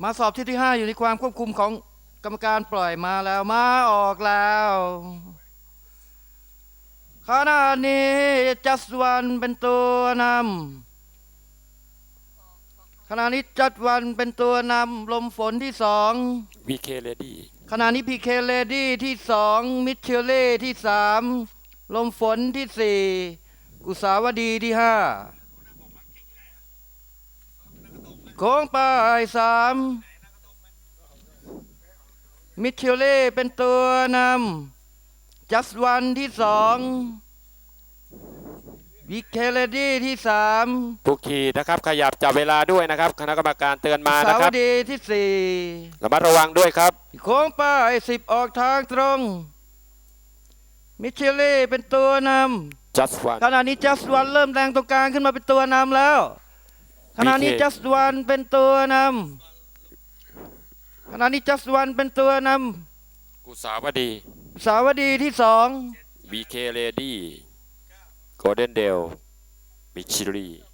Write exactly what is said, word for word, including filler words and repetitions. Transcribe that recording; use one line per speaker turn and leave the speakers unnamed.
มาสอบที่ที่ห้าอยู่ในความควบคุมของกรรมการปล่อยมาแล้วมาออกแล้วขณะนี้จัสวันเป็นตัวนำขณะนี้จัดวันเป็นตัวนำลมฝนที่สอง
วี เค Lady
ขณะนี้พีเคเลดี้ที่สองมิเชลเล่ที่สามลมฝนที่สี่กุสาวดีที่ห้าโค้งปลายสามมิเชลเล่เป็นตัวนำจัสวันที่สองวิเคเลดี้ที่สาม
ผู้ขี่นะครับขยับจับเวลาด้วยนะครับคณะกรรมการเตือนมานะ
สา
ครั
ว
บ
ดีที่สี่
ระมัดระวังด้วยครับ
โค้งปลายสิบออกทางตรงมิเชลเล่เป็นตัวนำ
just one
ขณะนี้จัสวันเริ่มแรงตรงกลางขึ้นมาเป็นตัวนำแล้วขณะนี้
บี เค
จัสวันเป็นตัวนำขณะนี้จัสวันเป็นตัวน
กุสาวดี
ำสาวดีที่สอง
วี เค Lady Golden Dale มิชิลี